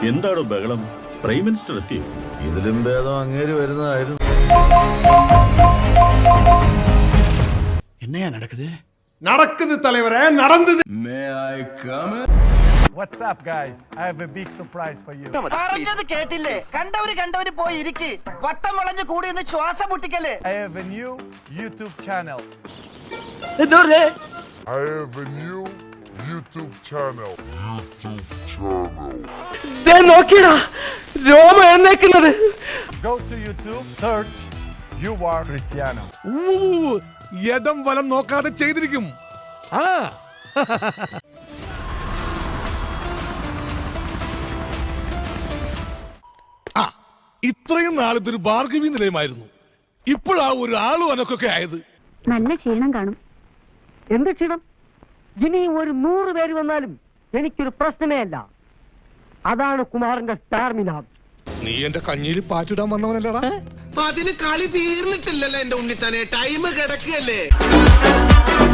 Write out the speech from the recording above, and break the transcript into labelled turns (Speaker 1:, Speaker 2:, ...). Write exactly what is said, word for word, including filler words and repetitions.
Speaker 1: എന്താണോ ബഹളം? Prime minister എത്തിയോ?
Speaker 2: ഇതിലും ഭേദം അങ്ങേര് വരുന്നതായിരുന്നു.
Speaker 3: എന്നയാ നടക്കുത്
Speaker 4: നടക്കുത് തലവരെ നടന്നത്.
Speaker 5: What's up, guys? I have a big surprise for you.
Speaker 6: പറഞ്ഞത് കേട്ടില്ലേ? കണ്ടവര് കണ്ടവര് പോയി ഇരിക്ക്. വട്ടം വളഞ്ഞു കൂടി നിന്ന് ശ്വാസം മുട്ടിക്കല്ലേ.
Speaker 5: I have a new YouTube channel.
Speaker 7: I have a new YouTube channel. YouTube channel.
Speaker 6: They നോക്കിടാ രോമ എന്നേക്കുന്നത്.
Speaker 5: Go to YouTube, search You Are Cristiano.
Speaker 8: യദം വലം നോക്കാതെ ചെയ്തിരിക്കും. ആ ഇത്രയും നാളത്തെ ഒരു ഭാർഗവി നിലയമായിരുന്നു. ഇപ്പോഴാ ഒരു ആളും അനക്കൊക്കെ ആയത്.
Speaker 9: നല്ല ക്ഷീണം കാണും.
Speaker 6: എന്ത് ക്ഷീണം? ഇനി ഒരു നൂറ് പേര് വന്നാലും എനിക്കൊരു പ്രശ്നമേ അല്ല. അതാണ് കുമാറിന്റെ സ്റ്റാർമിന.
Speaker 8: നീ എന്റെ കഞ്ഞിയിൽ പാറ്റിടാൻ വന്നവനല്ലടാ.
Speaker 3: അതിന് കളി തീർന്നിട്ടില്ലല്ലോ എന്റെ ഉണ്ണിത്താനെ. ടൈം കിടക്കുകയല്ലേ.